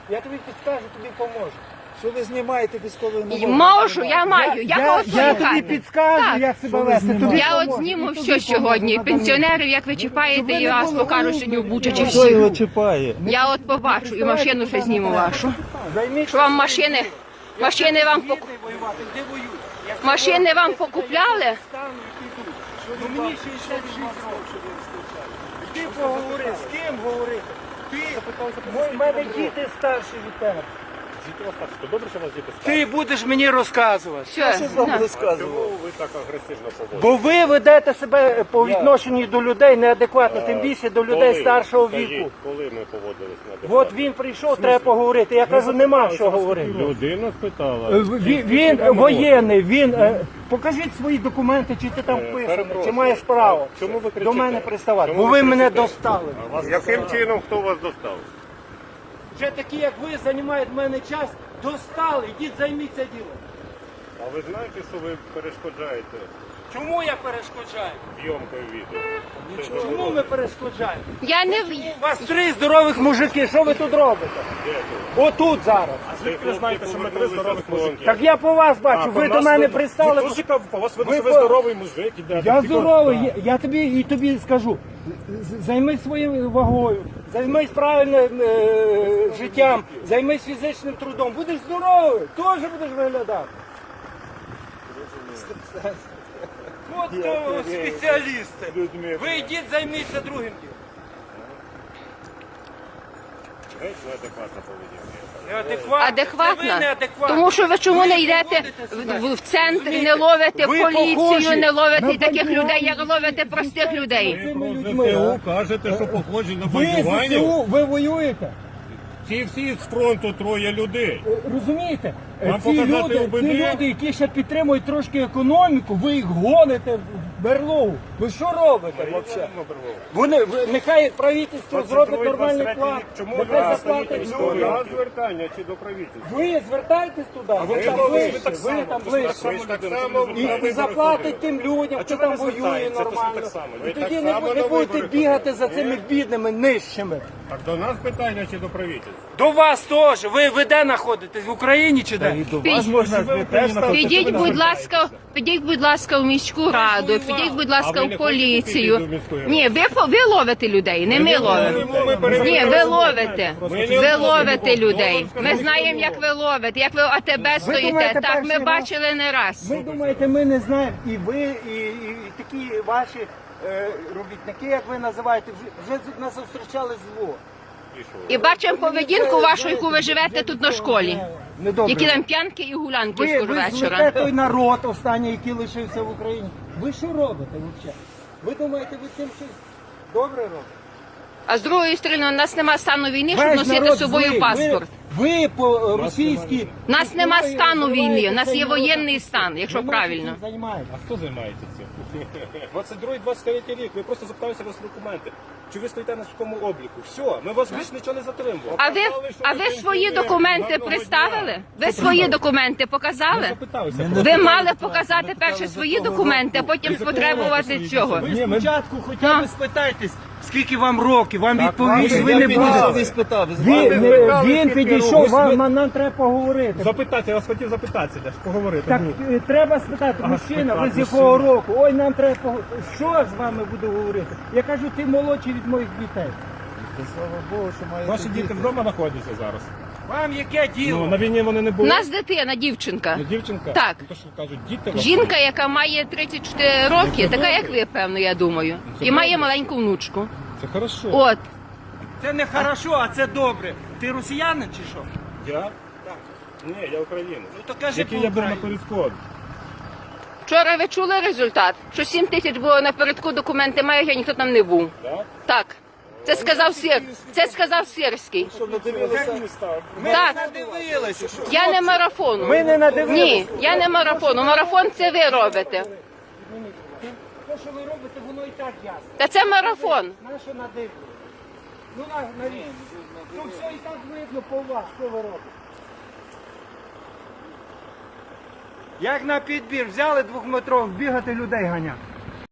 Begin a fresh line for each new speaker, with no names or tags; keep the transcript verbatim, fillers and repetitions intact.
Я тобі підскажу, тобі поможу. Що ви знімаєте військовий номер?
Можу, я маю, я
Я,
голосую.
я тобі підскажу,
Так.
як себе вести. Тобі
Я от
поможу.
зніму
І тобі
все сьогодні.
поможу.
Пенсіонерів, як ви чіпаєте, і вас покажу сьогодні в Бучачі
Хто його
всіх.
чіпає?
Я от побачу і машину ще зніму вашу.
Займіть
Що вам машини, машини вам поку-
воювати, де воюють? Я
машини вам покупляли?
стану і піду. Ну мені шістдесят шість років. Ти поговори, з ким говорити? Ти, в мене діти старші від тебе.
Добре, що у вас діти старші.
Ти будеш мені розказувати.
Все,
Що вам
на.
розказував?
Чому ви так агресивно поводите?
Бо ви ведете себе по відношенню до людей неадекватно, тим більше до людей
Коли?
старшого
Скажіть,
віку.
Коли ми поводились на адекватно?
От він прийшов, треба поговорити. Я кажу, нема що говорити.
Людина спитала.
Е, Він, він воєнний, він. е, Покажіть свої документи, чи ти там вписаний, чи
перепрошую.
маєш право
Чому ви
до
кричите?
мене приставати.
Чому
Бо
ви
ви мене
кричите?
достали.
Яким чином хто вас достав?
Вже такі, як ви, займають в мене час, достали. Ідіть, займіться ділом.
А ви знаєте, що ви перешкоджаєте
Чому я перешкоджаю?
зйомкою відео? Це
Чому
заборонено.
ми перешкоджаємо?
Я не в-
У вас три здорових мужики, що ви тут робите?
Де тут?
Отут зараз.
Звідки ви знаєте, що ми три здорових мужики?
Так я по вас бачу, ви до мене пристали.
Ви теж кажу, по вас видно,
Ви
що ви
по-
здоровий мужик. ідете.
Я
Тільки-
здоровий,
Так.
я, я тобі і тобі скажу. з- Займись своєю вагою, займись правильним е, життям, займись фізичним трудом. Будеш здоровий, теж будеш виглядати. От то спеціалісти. Ви йдіть, займіться другим ділом.
Геть неадекватна поведінка.
Неадекватно. Це ви
адекватна.
неадекватно.
Тому що ви чому
Ви
не йдете
поводите себе.
в, в центр, не
Розумієте?
ловите
Ви
поліцію,
похожі
не ловите
на
таких
бандюганів.
людей, як ловите простих людей.
Цими
Ви
людьми,
про
а?
ЗСУ кажете, що похожі на
Ви
бандюганів.
ЗСУ, ви воюєте.
Ці всі з фронту троє людей.
Е, Розумієте? Е,
Вам
ці
показати
люди,
ОБД?
ці люди, які ще підтримують трошки економіку, ви їх гоните в берлогу. Ви що робите взагалі? Вони, ви- нехай правительство зробить нормальний план.
Чому
Нехай
ви
заплатить
до
людям.
нас звертання чи до правительства?
Ви звертайтесь туди, ви там
ви
ближче,
так
ви
само,
там
ви
ближче.
Ви ж так само
І, і заплатить тим людям, хто там воює нормально. І тоді не, бу- не будете бігати за цими бідними, нижчими.
Так до нас питання чи до правительства?
До вас теж. Ви, ви де знаходитесь? В Україні чи де?
Вас можна теж
Підіть, будь ласка, підіть, будь ласка, в міську раду, підіть, будь ласка,
А ви
в
не
поліцію.
хочете піти до міської ради?
Ні, ви, по- ви ловите людей, не ми ловимо. Ні, ви ловите. Ви ловите людей. Ми знаємо, як ви ловите, як ви в АТБ стоїте.
думаєте,
Так, ми
перший раз?
бачили не раз.
Ви думаєте, ми не знаємо, і ви, і, і, і такі ваші е, робітники, як ви називаєте, вже, вже нас зустрічали зло.
І що?
І бачимо поведінку вашу, яку ви живете тут на школі.
Недобре.
Які там п'янки і гулянки
ви,
скоро
ви
вечора.
злите той народ останній, який лишився в Україні. Ви що робите взагалі? Ви думаєте, ви цим щось добре робите?
А з другої сторони, у нас нема стану війни, щоб
Весь
носити
народ
з собою
злий.
паспорт.
Ви, ви по е, російській...
У нас нема
зброї
стану війни, у
називаєте
нас
цей
є
народ.
воєнний стан, якщо
Ви
правильно.
цим займаєтесь.
А хто займається цим? двадцять другий двадцять третій рік. Ви просто запиталися вас документи. Чи ви стоїте на такому обліку? Все, ми вас більше нічого не затримуємо.
А ви, а ви свої документи представили? Ви свої документи показали?
Запиталися.
Ви мали показати перше свої документи, а потім потребувати цього.
Ви спочатку хоча б спитайтесь, скільки вам років, вам відповість, ви не
підійшов і
будете.
спитав.
Він, не- він підійшов, вам, нам, нам треба поговорити.
Запитати, я вас хотів запитатися, де ж поговорити.
Так
Ну,
е, треба спитати, мужчина, ви з
спитати,
якого року? Ой, нам треба поговорити. Що з вами буду говорити? Я кажу, ти молодший від моїх дітей.
Слава Богу, що маєте
Ваші діти вдома знаходяться зараз.
Вам яке
Ну,
діло?
на війні вони не
У
були.
нас дитина, дівчинка.
Ну, дівчинка?
Так.
Ну, то, що кажуть, діти ваші.
Жінка, яка має тридцять чотири роки, така як ви, певно, я думаю. І має маленьку внучку.
Це хорошо.
От.
Це не хорошо, а це добре. Ти росіянин чи що?
Я?
Так.
Ні, я українець.
Ну то кажи
Який я був на
по-українськи.
передку.
Вчора ви чули результат? Що сім тисяч було напередку, документи мають, а ніхто там не був.
Так?
Так. Це сказав Сир. Це сказав Сирський.
Ми
Так.
не надивилися. що-
Я не марафону.
Ми не надивилися.
Ні, я не марафону. Марафон це ви робите.
Те, що ви робите, воно і так ясно.
Та це марафон.
На що надивилися? Ну на, на рівні. Ну все і так видно по вас, що ви робите. Як на підбір взяли двохметрових, бігати людей ганяти.